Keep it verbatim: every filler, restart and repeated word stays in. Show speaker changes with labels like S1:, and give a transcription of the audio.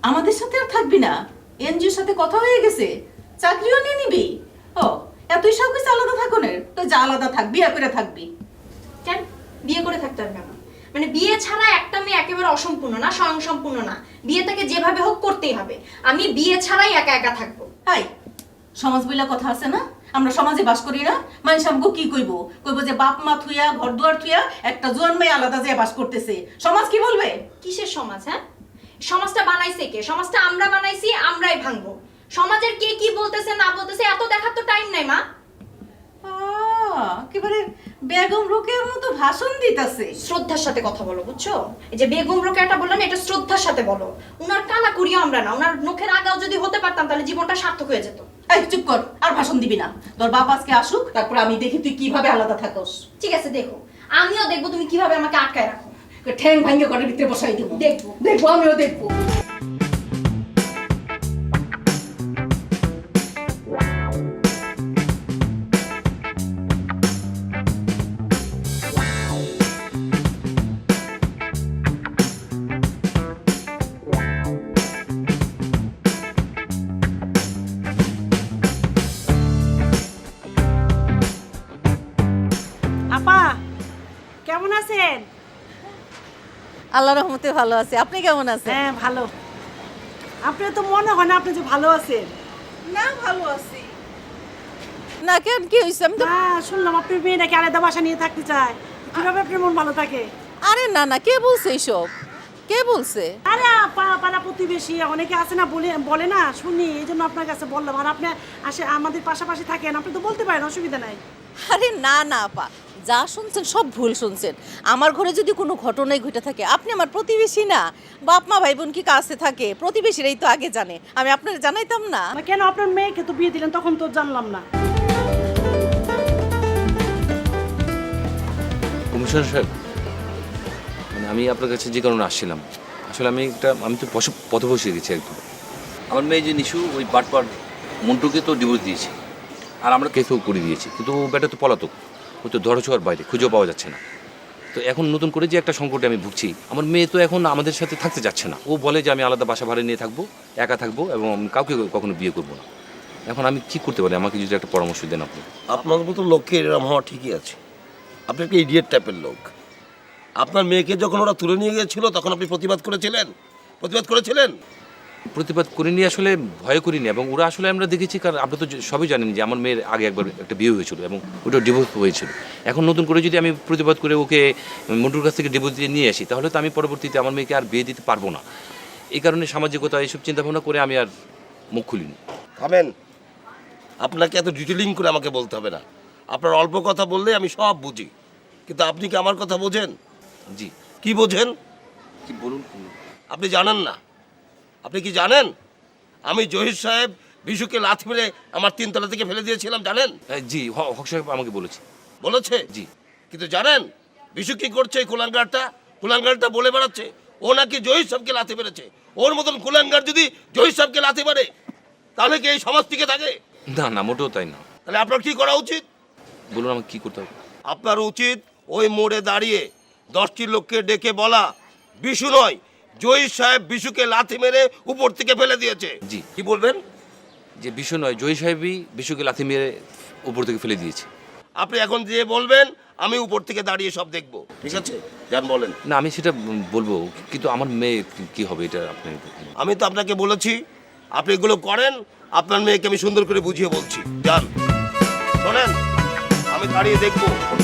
S1: আমাদের সাথে আর থাকবি না? এনজিওর সাথে কথা হয়ে গেছে, চাকরিও নিয়ে নিবি? ও এতই সব কিছু আলাদা থাকনের, তো যা আলাদা থাকবি, বিয়ে করে থাকবি।
S2: কেন বিয়ে করে থাকতে হবে কেন? মানে বিয়ে ছাড়া একটা মেয়ে একেবারে অসম্পূর্ণ না, স্বয়ংসম্পূর্ণ না। বিয়েটাকে যেভাবে হোক করতেই হবে। আমি বিয়ে ছাড়াই একা একা থাকবো।
S1: হাই, সমাজ বইলা কথা আছে না? আমরা সমাজে বাস করি না? মানুষ আমাকে কি কইব? কইব যে বাপ মা থুইয়া ঘর দুয়ার থুইয়া একটা জোয়ান মেয়ে আলাদা যে বাস করতেছে। সমাজ কি বলবে?
S2: কিসের সমাজ? হ্যাঁ, সমাজটা বানাইছে কে? সমাজটা আমরা বানাইছি, আমরাই ভাঙবো। সমাজের কে কি বলতেছে না বলতেছে এত দেখার তো টাইম নাই মা।
S1: একেবারে বেগম রোকেয়ার মতো ভাষণ দিতেছে।
S2: শ্রদ্ধার সাথে কথা বলো, বুঝছো? এই যে বেগম রোকেয়াটা বললেন, এটা শ্রদ্ধার সাথে বলো। উনার কানা করিও আমরা না, উনার নখের আগাও যদি হতে পারতাম তাহলে জীবনটা সার্থক হয়ে যেত।
S1: এই চুপ কর, আর ভাষণ দিবি না। তোর বাপ আজকে আসুক, তারপর আমি দেখি তুই কিভাবে আলাদা থাকস।
S2: ঠিক আছে, দেখো, আমিও দেখবো তুমি কিভাবে আমাকে আটকায় রাখো।
S1: ঠ্যাং ভাঙ্গে ঘরের ভিতরে বসাই দেবো।
S2: দেখবো
S1: দেখবো, আমিও দেখবো।
S3: আপা কেমন আছেন?
S4: আল্লাহর রহমতে ভালো আছি। আপনি কেমন আছেন?
S3: হ্যাঁ ভালো। আপনার তো মনে হয় না আপনি যে ভালো আছেন।
S1: না, ভালো আছি।
S4: না কেন, কি হয়েছে? আমি তো
S3: না, শুনলাম আপনার মেয়ে নাকি আলাদা বাসা নিয়ে থাকতে চায়। কিভাবে আপনার মন ভালো থাকে?
S4: আরে না না, কে বলছে এইসব? কে বলছে?
S3: আরে আপা, পাড়া প্রতিবেশী অনেকে আছে না, বলে বলে না, শুনি, এই জন্য আপনার কাছে বললাম। আর আপনি আসে আমাদের পাশাপাশি থাকেন, আপনি তো বলতে পারেন, অসুবিধা নাই।
S4: আরে না না আপা, যা শুনছেন সব ভুল শুনছেন। আমার ঘরে যদি কোনো ঘটনাই ঘটে থাকে, আপনি আমার প্রতিবেশী না? বাপ মা ভাই বোন কি কাছে থাকে? প্রতিবেশীরাই তো আগে জানে, আমি আপনার জানাইতাম না?
S3: না কেন, আপনার মেয়েকে তো বিয়ে দিলেন, তখন তো জানলাম না।
S5: কমিশনার সাহেব, মানে আমি আপনার কাছে যে কারণে আসছিলাম, আসলে আমি একটা আমি তো পথ পথে বসে গেছি একদম। আমার মেয়ে যে নিশু, ওই বাটপার মন্টুকে তো ডিভোর্স দিয়েছে, আর আমরা কেসও করে দিয়েছি, কিন্তু ও বেটা তো পলাতক, ও তো ধরা ছোঁয়ার বাইরে, খুঁজেও পাওয়া যাচ্ছে না। তো এখন নতুন করে যে একটা সংকটে আমি ভুগছি, আমার মেয়ে তো এখন আমাদের সাথে থাকতে যাচ্ছে না। ও বলে যে আমি আলাদা বাসা ভাড়া নিয়ে থাকবো, একা থাকবো, এবং আমি কাউকে কখনো বিয়ে করবো না। এখন আমি কি করতে পারি? আমাকে যদি একটা পরামর্শ দেন আপনি।
S6: আপনার মতো লোককে এরকম হওয়া ঠিকই আছে। আপনি একটা ইডিয়েট টাইপের লোক। আপনার মেয়েকে যখন ওরা তুলে নিয়ে গিয়েছিল তখন আপনি প্রতিবাদ করেছিলেন প্রতিবাদ করেছিলেন
S5: প্রতিবাদ করিনি, আসলে ভয় করিনি। এবং ওরা আসলে আমরা দেখেছি, কারণ আপনি তো সবই জানেন যে আমার মেয়ের আগে একবার একটা বিয়ে হয়েছিল এবং ওটা ডিভোর্স হয়েছিল। এখন নতুন করে যদি আমি প্রতিবাদ করে ওকে মন্টুর কাছ থেকে ডিভোর্স দিয়ে নিয়ে আসি, তাহলে তো আমি পরবর্তীতে আমার মেয়েকে আর বিয়ে দিতে পারবো না। এই কারণে সামাজিকতা এইসব চিন্তাভাবনা করে আমি আর মুখ খুলিনি।
S6: থামেন, আপনাকে এত ডিটেলিং করে আমাকে বলতে হবে না। আপনার অল্প কথা বললে আমি সব বুঝি, কিন্তু আপনি কি আমার কথা বোঝেন?
S5: জি।
S6: কি বোঝেন?
S5: কি বলুন?
S6: আপনি জানেন না? আপনি কি জানেন আমি জহির সাহেব বিশুকে লাথি মেরে আমার তিনতলা থেকে ফেলে দিয়েছিলাম, জানেন?
S5: হ্যাঁ, জি, হ- হক সাহেব আমাকে বলেছে।
S6: বলেছে?
S5: জি।
S6: কিন্তু জানেন বিশু কি করছে? এই কুলাঙ্গারটা কুলাঙ্গারটা বলে বেড়াচ্ছে ও নাকি জহির সাহেবকে লাথি মেরেছে। ওর মতন কুলাঙ্গার যদি জহির সাহেবকে লাথি মারে, তাহলে কি এই সমাজ টিকে থাকে?
S5: না না, মোটেও তাই না।
S6: তাহলে আপনার কি করা উচিত?
S5: বলুন আমাকে কি করতে হবে?
S6: আপনার উচিত ওই মোড়ে দাঁড়িয়ে দশটি লোককে ডেকে বলা, বিশু নয়, জহির সাহেব বিশুকে লাথি মেরে উপর থেকে ফেলে দিয়েছে।
S5: জি।
S6: কি বলবেন?
S5: যে বিশু নয়, জয়ী সাহেবই বিশুকে লাথি মেরে উপর থেকে ফেলে দিয়েছে।
S6: আপনি এখন যে বলবেন আমি উপর থেকে দাঁড়িয়ে সব দেখবো, ঠিক আছে? যান বলেন।
S5: না, আমি সেটা বলবো, কিন্তু আমার মেয়ে কি হবে এটা আপনি।
S6: আমি তো আপনাকে বলেছি আপনি এগুলো করেন, আপনার মেয়েকে আমি সুন্দর করে বুঝিয়ে বলছি। যান, শোনেন, আমি দাঁড়িয়ে দেখবো